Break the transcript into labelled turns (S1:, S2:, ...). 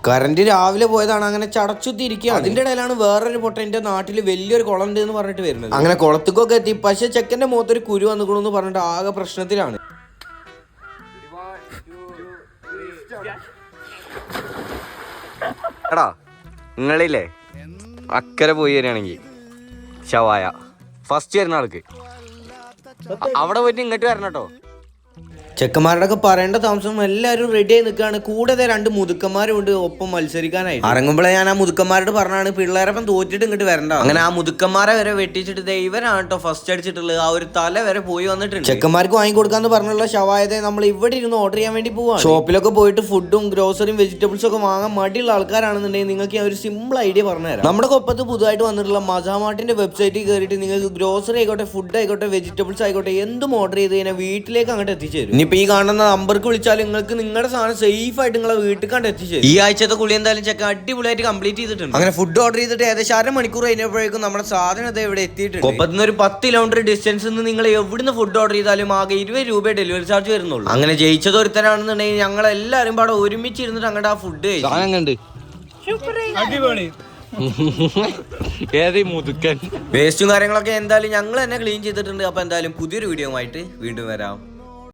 S1: Current രാവിലെ പോയതാണ്, അങ്ങനെ ചടച്ചുത്തിരിക്കുകയാണ്. അതിന്റെ ഇടയിലാണ് വേറൊരു പൊട്ട എന്റെ നാട്ടിൽ വലിയൊരു കുളം ഉണ്ട് എന്ന് പറഞ്ഞിട്ട് വരുന്നത്. അങ്ങനെ കുളത്തേക്കൊക്കെ എത്തി. പക്ഷെ ചെക്കന്റെ മുഖത്തൊരു കുരു വന്നിക്കണമെന്ന് പറഞ്ഞിട്ട് ആകെ പ്രശ്നത്തിലാണ്.
S2: എടാ നിങ്ങളില്ലേ അക്കരെ പോയി വരികയാണെങ്കിൽ ഷവായ ഫസ്റ്റ് വരുന്ന ആൾക്ക് അവിടെ പോയിട്ട് ഇങ്ങോട്ട് വരണം കേട്ടോ.
S1: ചെക്കന്മാരുടെ ഒക്കെ പറയേണ്ട താമസം എല്ലാവരും റെഡി ആയി നിൽക്കുകയാണ്. കൂടാതെ 2 മുതുക്കന്മാരും ഉണ്ട് ഒപ്പം മത്സരിക്കാനായിട്ട്. ഇറങ്ങുമ്പോഴേ ഞാൻ ആ മുതുക്കന്മാരോട് പറഞ്ഞാണ് പിള്ളേരപ്പം തോറ്റിട്ട് ഇങ്ങോട്ട് വരണ്ട. അങ്ങനെ ആ മുതുക്കന്മാരെ വരെ വെട്ടിച്ചിട്ട് ഇവരാണ് കേട്ടോ ഫസ്റ്റ് അടിച്ചിട്ടുള്ളത്. ആ ഒരു തല വരെ പോയി വന്നിട്ടുണ്ട്. ചെക്കന്മാർക്ക് വാങ്ങിക്കൊടുക്കാന്ന് പറഞ്ഞുള്ള ഷവായതെ നമ്മൾ ഇവിടെ ഇരുന്ന് ഓർഡർ ചെയ്യാൻ വേണ്ടി പോവാം. ഷോപ്പിലൊക്കെ പോയിട്ട് ഫുഡും ഗ്രോസറിയും വെജിറ്റബിൾസും ഒക്കെ വാങ്ങാൻ മടിയുള്ള ആൾക്കാരാണെന്നുണ്ടെങ്കിൽ നിങ്ങൾക്ക് ഒരു സിമ്പിൾ ഐഡിയ പറഞ്ഞുതരാം. നമ്മുടെ കൊപ്പത്ത് പുതുതായിട്ട് വന്നിട്ടുള്ള മസാമാർട്ടിന്റെ വെബ്സൈറ്റിൽ കയറിയിട്ട് നിങ്ങൾക്ക് ഗ്രോസറി ആയിക്കോട്ടെ, ഫുഡ് ആയിക്കോട്ടെ, വെജിറ്റബിൾസ് ആയിക്കോട്ടെ, എന്തും ഓർഡർ ചെയ്ത് കഴിഞ്ഞാൽ വീട്ടിലേക്ക് അങ്ങോട്ട് എത്തിച്ചേരും. ഇപ്പൊ ഈ കാണുന്ന നമ്പർക്ക് വിളിച്ചാൽ നിങ്ങൾക്ക് നിങ്ങളുടെ സാധനം സേഫ് ആയിട്ട് നിങ്ങളെ വീട്ടിൽ കണ്ട് എത്തിച്ചു. ഈ ആഴ്ചത്തെ കുളി എന്തായാലും ചെക്ക അടിപൊളിയായിട്ട് കംപ്ലീറ്റ് ചെയ്തിട്ടുണ്ട്. അങ്ങനെ ഫുഡ് ഓർഡർ ചെയ്തിട്ട് ഏകദേശം 1/2 മണിക്കൂർ കഴിഞ്ഞപ്പോഴേക്കും നമ്മുടെ സാധനം ഇവിടെ എത്തിയിട്ടുണ്ട്. കൊപ്പത്തുനിന്ന് ഒരു 10 കിലോമീറ്റർ ഡിസ്റ്റൻസിൽ നിന്ന് നിങ്ങൾ എവിടുന്ന് ഫുഡ് ഓർഡർ ചെയ്താലും ആകെ 20 രൂപ ഡെലിവറി ചാർജ് വരുന്നുള്ളൂ. അങ്ങനെ ജയിച്ചത് ഒരുത്തരാണെന്നുണ്ടെങ്കിൽ ഞങ്ങൾ എല്ലാവരും പാടെ ഒരുമിച്ച് ഇരുന്നിട്ട് അങ്ങോട്ട് ആ ഫുഡ് വേസ്റ്റും കാര്യങ്ങളൊക്കെ എന്തായാലും ഞങ്ങൾ തന്നെ ക്ലീൻ ചെയ്തിട്ടുണ്ട്. അപ്പൊ എന്തായാലും പുതിയൊരു വീഡിയോ ആയിട്ട് വീണ്ടും വരാം.